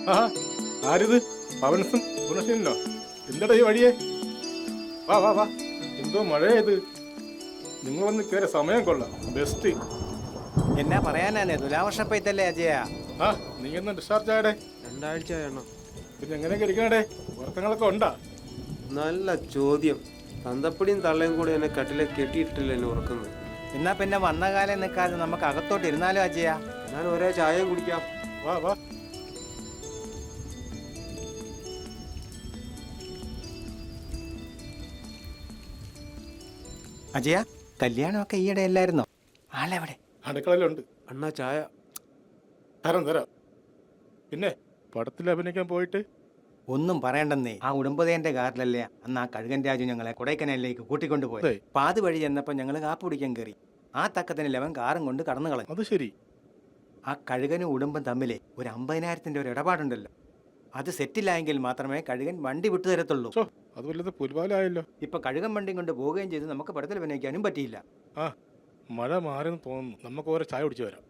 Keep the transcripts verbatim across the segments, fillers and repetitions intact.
ആ ആരിത്? പവൻസും ഗുണശീലനോ? എന്തടാ ഈ വഴിയേ? വാ വാ വാ. എന്തോ മഴയത്. നിങ്ങൾ വന്ന് കയറിയ സമയം കൊള്ളാം. ബെസ്റ്റ്. എന്നാ പറയാനാണ്, തുലാവർഷപ്പയത്തല്ലേ അജയ? ആ നീ എന്ന് ഡിസ്ചാർജ് ആയടേ? രണ്ടാഴ്ച ആയണോ? പിന്നെ എങ്ങനെയൊക്കെ ഇരിക്കണടേ? വർത്തങ്ങളൊക്കെ ഉണ്ടാ? നല്ല ചോദ്യം. തന്തപ്പടിയും തള്ളയും കൂടി എന്നെ കട്ടിലെ കെട്ടിയിട്ടില്ല എന്നെ ഉറക്കുന്നത്. എന്നാ പിന്നെ വന്ന കാലം നിൽക്കാതെ നമുക്ക് അകത്തോട്ട് ഇരുന്നാലോ അജയ? ഞാൻ ഒരേ ചായയും കുടിക്കാം. വാ വാ. അജയ, കല്യാണമൊക്കെ ഈയിടെ അല്ലായിരുന്നോ? ആളെവിടെ? അടുക്കളയിലുണ്ട്. അണ്ണാ ചായ. തരാം തരാം. പിന്നെ പടത്തിൽ അഭിനയിക്കാൻ പോയിട്ട് ഒന്നും പറയണ്ടെന്നേ. ആ ഉടമ്പതേന്റെ കാറിലല്ലേ അന്ന് ആ കഴുകൻ രാജു ഞങ്ങളെ കൊടൈക്കനാലിലേക്ക് കൂട്ടിക്കൊണ്ടുപോയത്. അതെ. പാതി വഴി ചെന്നപ്പോൾ ഞങ്ങൾ കാപ്പ് കുടിക്കാൻ കയറി. ആ തക്കത്തിന് ലെവൻ കാറും കൊണ്ട് കടന്നു കളഞ്ഞു. അത് ശരി. ആ കഴുകനും ഉടുമ്പും തമ്മിലെ ഒരു അമ്പതിനായിരത്തിന്റെ ഒരു ഇടപാടുണ്ടല്ലോ, അത് സെറ്റിലായെങ്കിൽ മാത്രമേ കഴുകൻ വണ്ടി വിട്ടു തരത്തുള്ളൂ. ചോ, അത് വല്ലത് പുൽവാലായല്ലോ. ഇപ്പൊ കഴുകൻ വണ്ടിയും കൊണ്ട് പോവുകയും ചെയ്ത് നമുക്ക് പടത്തിൽ അഭിനയിക്കാനും പറ്റിയില്ല. ആ മഴ മാറിയെന്ന് തോന്നുന്നു. നമുക്ക് ഓരോ ചായ കുടിച്ചു വരാം.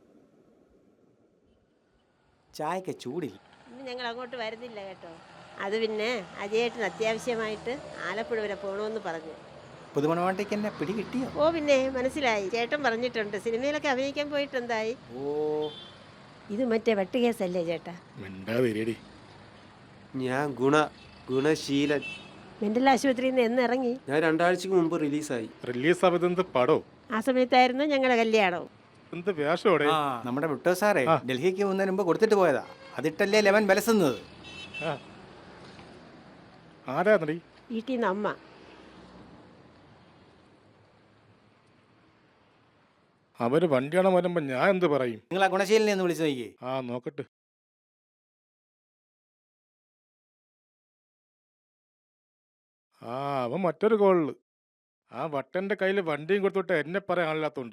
ചായക്ക് ചൂടില്ല. ഇന്ന് ഞങ്ങൾ അങ്ങോട്ട് വരുന്നില്ല കേട്ടോ. അത് പിന്നെ അജയേട്ടന് അത്യാവശ്യമായിട്ട് ആലപ്പുഴ വരെ പോകണമെന്ന് പറഞ്ഞു. പുതുമണവാട്ടിക്ക് എന്നെ പിടി കിട്ടിയോ? ഓ പിന്നെ മനസ്സിലായി, ചേട്ടൻ പറഞ്ഞിട്ടുണ്ട്. സിനിമയിലൊക്കെ അഭിനയിക്കാൻ പോയിട്ട് എന്തായി? ഓ, ഇത് മറ്റേ വെട്ടുകേസല്ലേ ചേട്ടാ? മിണ്ടാതിരിയടി. ഞാൻ ഗുണ ഗുണശീലൻ. മെന്റൽ ആശുപത്രിയിൽ നിന്ന് എന്ന് ഇറങ്ങി? ഞാൻ രണ്ടാഴ്ചക്ക് മുമ്പ് റിലീസായി. റിലീസ് ആവതെന്ത് പടോ? ആ സമയത്തായിരുന്നു ഞങ്ങളുടെ കല്യാണവും. എന്ത് വേഷോടെ? ആ നമ്മുടെ വിട്ടോ സാറേ ആ. ഡൽഹിക്ക് പോകുന്നതിന് മുമ്പ് കൊടുത്തിട്ട് പോയതാ. അതിട്ടല്ലേ ലെവൻ ബലസുന്നത്. ആരാ നടി? വീട്ടിൽ നിന്ന് അമ്മ. അവര് വണ്ടിയാണോ വരുമ്പോ ഞാൻ എന്ത് പറയും? നിങ്ങൾ ആ ഗുണശീലനെ ഒന്ന് വിളിച്ചു നോക്കിയേ. ആ നോക്കട്ടെ. ആ അവൻ മറ്റൊരു കോളില്. ആ വട്ടന്റെ കയ്യിൽ വണ്ടിയും കൊടുത്തോട്ട് എന്നെ പറയാനില്ലാത്തോണ്ട്.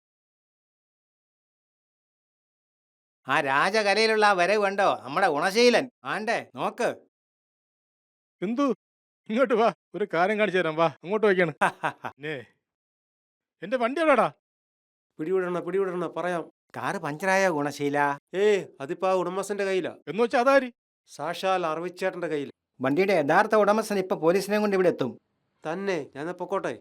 ആ രാജകലയിലുള്ള ആ വരവ് കണ്ടോ? നമ്മുടെ ഗുണശീലൻ ആണ്ടേ നോക്ക്. എന്തു? ഇങ്ങോട്ട് വാ, ഒരു കാര്യം കാണിച്ചു തരാം. വാ, അങ്ങോട്ട് വയ്ക്കാണ്. പിന്നെ എന്റെ വണ്ടി എവിടാടാ? പിടിവിടണ പിടിവിടണ പറയാം. കാറ് പഞ്ചറായ ഗുണശീല. ഏ അതിപ്പോ ആ ഉടമസ്ഥന്റെ കയ്യിലാ. എന്ന് വെച്ചാ അതാരി? സാക്ഷാൽ അറവിച്ചേട്ടന്റെ കയ്യിൽ വണ്ടിയുടെ യഥാർത്ഥ ഉടമസ്ഥൻ ഇപ്പൊ പോലീസിനെ കൊണ്ട് ഇവിടെ എത്തും. തന്നെ. ഞാൻ പൊക്കോട്ടെ.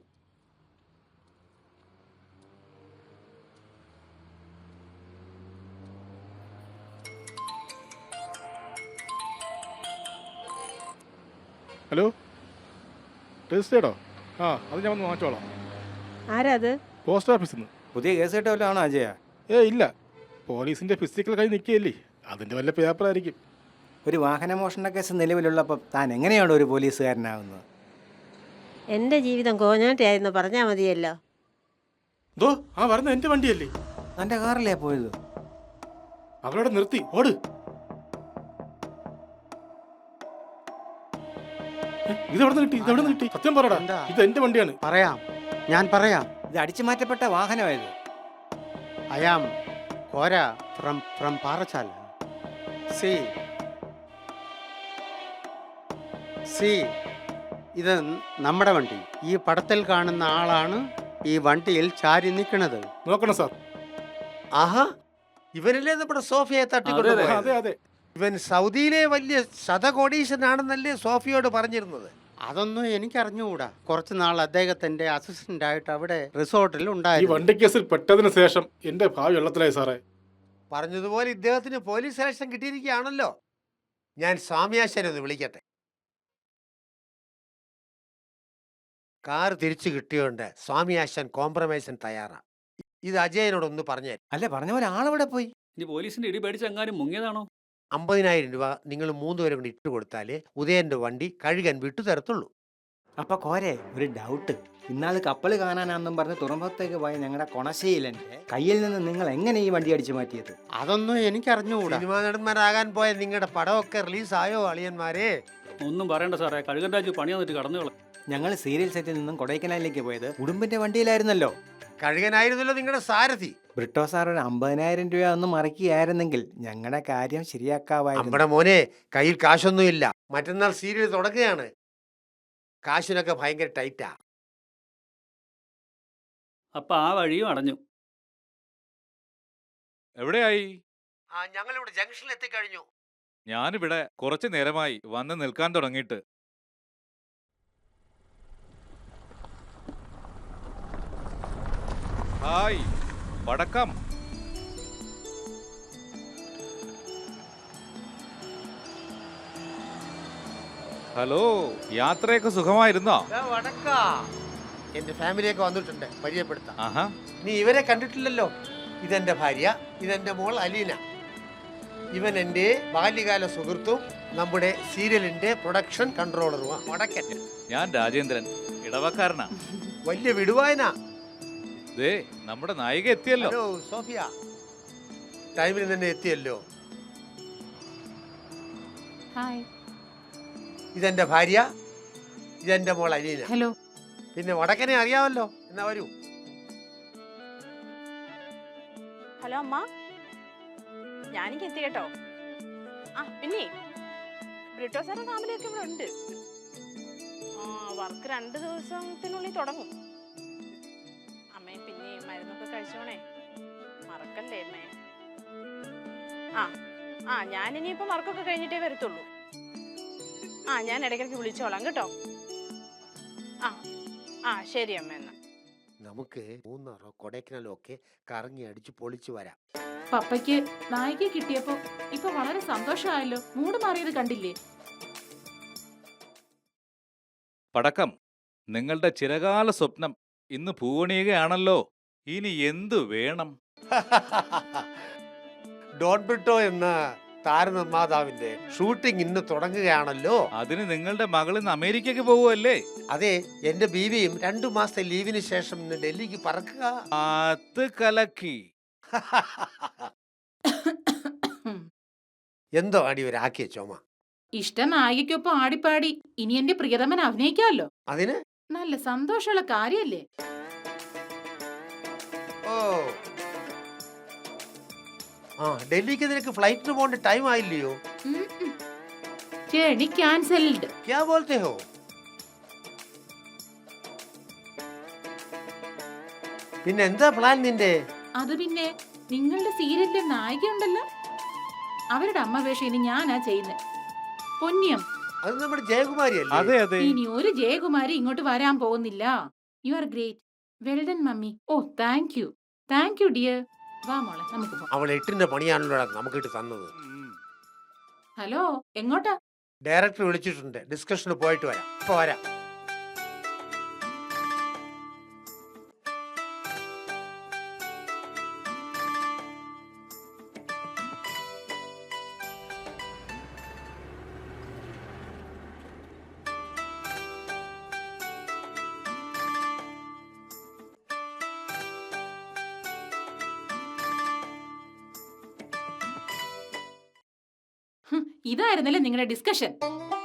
ഹലോ, രജിസ്റ്റേഡോ? ആ അത് ഞാൻ വന്ന് മാറ്റോളാം. ആരാ അത്? പോസ്റ്റ് ഓഫീസിൽ നിന്ന്. പുതിയ കേസ് കിട്ടുമല്ലോ ആണോ അജയ? ഏ ഇല്ല, പോലീസിന്റെ ഫിസിക്കൽ കൈ നിൽക്കുകയല്ലേ, അതിന്റെ വല്ല പേപ്പറായിരിക്കും. ഒരു വാഹന മോഷണ കേസ് നിലവിലുള്ളപ്പോൾ താൻ എങ്ങനെയാണ് ഒരു പോലീസുകാരനാവുന്നത്? എൻ്റെ ജീവിതം കോഞ്ഞാട്ടിയായിരുന്നു പറഞ്ഞാൽ മതിയല്ലോ. ദോ ആ വരുന്ന എന്റെ വണ്ടിയല്ലേ? തൻ്റെ കാറിലേ പോയത്? അവരോട് നിർത്തി ഓട്. ഏ, ഇതെവിടെ നിന്ന് കിട്ടി? ഇതെവിടെ നിന്ന് കിട്ടി? സത്യം പറടാ. എന്താ? ഇത് എന്റെ വണ്ടിയാണ്. പറയാം, ഞാൻ പറയാം. ഇത് അടിച്ചു മാറ്റപ്പെട്ട വാഹനമായത്. I am Kora from from Parachal. സി സി ഇത് നമ്മുടെ വണ്ടി. ഈ പടത്തിൽ കാണുന്ന ആളാണ് ഈ വണ്ടിയിൽ ചാരി നിൽക്കുന്നത്. നോക്കണം സാർ. ആഹാ, ഇവനല്ലേ നമ്മുടെ സോഫിയെ അതെ തട്ടിക്കൊണ്ടുപോയത്? അതെ. ഇവൻ സൗദിയിലെ വലിയ ശതകോടീശനാണെന്നല്ലേ സോഫിയോട് പറഞ്ഞിരുന്നത്? അതൊന്നും എനിക്കറിഞ്ഞുകൂടാ. കുറച്ച് നാൾ അദ്ദേഹത്തിന്റെ അസിസ്റ്റന്റ് ആയിട്ട് അവിടെ റിസോർട്ടിൽ ഈ ഉണ്ടായിരുന്നു. വണ്ടി കേസിൽ പെട്ടതിന് ശേഷം എന്റെ ഭാവി വെള്ളത്തിലായി സാറേ. പറഞ്ഞതുപോലെ ഇദ്ദേഹത്തിന് പോലീസ് സെലക്ഷൻ കിട്ടിയിരിക്കുകയാണല്ലോ. ഞാൻ സ്വാമിയാശനെ ഒന്ന് വിളിക്കട്ടെ. കാർ തിരിച്ചു കിട്ടിയോണ്ട് സ്വാമിയാശൻ കോംപ്രമൈസിന് തയ്യാറാ. ഇത് അജയനോടൊന്ന് പറഞ്ഞു. അല്ല, പറഞ്ഞ പോലെ ആളെവിടെ പോയി? ഇനി പോലീസിന്റെ ഇടി പേടിച്ച് എങ്ങാനും മുങ്ങിയതാണോ? അമ്പതിനായിരം രൂപ നിങ്ങൾ മൂന്നുപേരെ കൊണ്ട് ഇട്ട് കൊടുത്താലേ ഉദയന്റെ വണ്ടി കഴുകൻ വിട്ടു തരത്തുള്ളൂ. അപ്പൊ കോരെ ഒരു ഡൗട്ട്. ഇന്നാള് കപ്പൽ കാണാനാന്നും പറഞ്ഞ് തുറമുഖത്തേക്ക് പോയ ഞങ്ങളുടെ കൊണശീലന്റെ കയ്യിൽ നിന്ന് നിങ്ങൾ എങ്ങനെ ഈ വണ്ടി അടിച്ചു മാറ്റിയത്? അതൊന്നും എനിക്കറിഞ്ഞുകൂടാ. സിനിമാ നടന്മാരാകാൻ പോയ നിങ്ങളുടെ പടമൊക്കെ റിലീസായോ അളിയന്മാരെ? ഒന്നും പറയണ്ട സാറേ, കഴുകൻ രാജു പണി വന്നിട്ട് കടന്നു കള. ഞങ്ങൾ സീരിയൽ സെറ്റിൽ നിന്നും കൊടൈക്കനാലിലേക്ക് പോയത് ഉടുമ്പിന്റെ വണ്ടിയിലായിരുന്നല്ലോ. കഴുകനായിരുന്നല്ലോ നിങ്ങളുടെ സാരഥി. ബ്രിട്ടോ സാർ ഒരു അമ്പതിനായിരം രൂപ ഒന്ന് മറക്കിയായിരുന്നെങ്കിൽ ഞങ്ങളുടെ കാര്യം ശരിയാക്കാവായിരുന്നു. നമ്മുടെ മോനെ കയ്യിൽ കാശൊന്നുമില്ല. മറ്റന്നാൾ സീരിയൽ തുടങ്ങുകയാണ്. കാശിനൊക്കെ ഭയങ്കര ടൈറ്റാ. അപ്പൊ ആ വഴിയും അടഞ്ഞു. എവിടെയായി? ആ ഞങ്ങളിവിടെ ജംഗ്ഷനിൽ എത്തിക്കഴിഞ്ഞു. ഞാനിവിടെ കുറച്ചു നേരമായി വന്ന് നിൽക്കാൻ തുടങ്ങിയിട്ട്. ഹായ് വടക്കം. ഹലോ, യാത്രയൊക്കെ സുഖമായിരുന്നോ? വടക്കാ എന്റെ ഫാമിലിയൊക്കെ വന്നിട്ടുണ്ട്, പരിചയപ്പെടുത്താം. ആഹാ. നീ ഇവരെ കണ്ടിട്ടില്ലല്ലോ. ഇതെന്റെ ഭാര്യ, ഇതെന്റെ മോൾ അലീന. ഇവൻ എൻ്റെ ബാല്യകാല സുഹൃത്തും നമ്മുടെ സീരിയലിന്റെ പ്രൊഡക്ഷൻ കൺട്രോളറുമാണ് വടക്കൻ. ഞാൻ രാജേന്ദ്രൻ, ഇടവക്കാരനാ. വലിയ വിടുവായന. ദേ നമ്മുടെ നായിക എത്തിയല്ലോ. ഹലോ സോഫിയ, ടൈമിൽ തന്നെ എത്തിയല്ലോ. ഹായ്. ഇതെന്റെ ഭാര്യ, ഇതെന്റെ മോൾ അലീന. ഹലോ. പിന്നെ വടക്കനെ അറിയാമല്ലോ, എന്നാ വരൂ. ഹലോ അമ്മ, ഞാനിക്ക് എത്തി കേട്ടോ. ആ പിന്നെ ബ്രിട്ടോ സാറും ഫാമിലിയൊക്കെ ഇവിടെ ഉണ്ട്. ആ വർക്ക് രണ്ട് ദിവസത്തിനുള്ളിൽ തുടങ്ങും. അമ്മേ പിന്നെ മരുന്നൊക്കെ കഴിച്ചോണേ, മറക്കല്ലേ അമ്മേ. ആ ആ ഞാനിനിയിപ്പോൾ വർക്കൊക്കെ കഴിഞ്ഞിട്ടേ വരത്തുള്ളൂ. ആ ഞാൻ ഇടയ്ക്കിടയ്ക്ക് വിളിച്ചോളാം കേട്ടോ. ആ ആ ശരി അമ്മ എന്നാ. നമുക്ക് മൂന്നാറോ കൊടൈക്കനാലോ ഒക്കെ കറങ്ങി അടിച്ച് പൊളിച്ചു വരാം. പപ്പയ്ക്ക് നായിക കിട്ടിയപ്പോ ഇപ്പൊ വളരെ സന്തോഷമായല്ലോ. മൂട് മാറിയത് കണ്ടില്ലേ? പടക്കം, നിങ്ങളുടെ ചിരകാല സ്വപ്നം ഇന്ന് പൂവണിയുകയാണല്ലോ. ഇനി എന്തു വേണം? ഡോൺ ബ്രിട്ടോ എന്ന താരനിർമ്മാതാവിന്റെ ഷൂട്ടിംഗ് ഇന്ന് തുടങ്ങുകയാണല്ലോ. അതിന് നിങ്ങളുടെ മകൾ ഇന്ന് അമേരിക്കക്ക് പോവുമല്ലേ? അതെ, എന്റെ ബീവിയും രണ്ടു മാസത്തെ ലീവിന് ശേഷം ഇന്ന് ഡൽഹിക്ക് പറക്കുക. അത് കലക്കി. എന്തോ അടി ഒരാക്കിയ ചുമ. ഇഷ്ട നായികയ്ക്കൊപ്പം ആടിപ്പാടി ഇനി എന്റെ പ്രിയതമൻ അഭിനയിക്കാമല്ലോ. അതിന് നല്ല സന്തോഷമുള്ള കാര്യല്ലേ? ഓ ആ ഡൽഹിക്ക് നിനക്ക് ഫ്ലൈറ്റിന് പോകേണ്ട ടൈം ആയില്ലയോ? Journey cancelled. ക്യാ ബോൾത്തെ ഹോ? പിന്നെ എന്താ പ്ലാൻ നിന്റെ? അത് പിന്നെ നിങ്ങളുടെ സീരിയലിലെ നായിക ഉണ്ടല്ലോ, അവരുടെ അമ്മ വേഷം ഇനി ഞാനാ ചെയ്യുന്നത്. പൊന്നിയം. അത് നമ്മുടെ ജയകുമാരി അല്ലേ? അതെ അതെ. ഇനി ഒരു ജയകുമാരി ഇങ്ങോട്ട് വരാൻ പോകുന്നില്ല. You are great. Well done mummy. Oh thank you, thank you dear. വാ മോളെ നമുക്ക് പോകാം. അവൾ എട്ടിന്റെ പണിയാണല്ലോ നമുക്കിട്ട് തന്നത്. ഹലോ, എങ്ങോട്ടാ? ഡയറക്ടർ വിളിച്ചിട്ടുണ്ട്, ഡിസ്കഷന് പോയിട്ട് വരാം. ഇപ്പൊ വരാം. ഇതായിരുന്നല്ലേ നിങ്ങളുടെ ഡിസ്കഷൻ?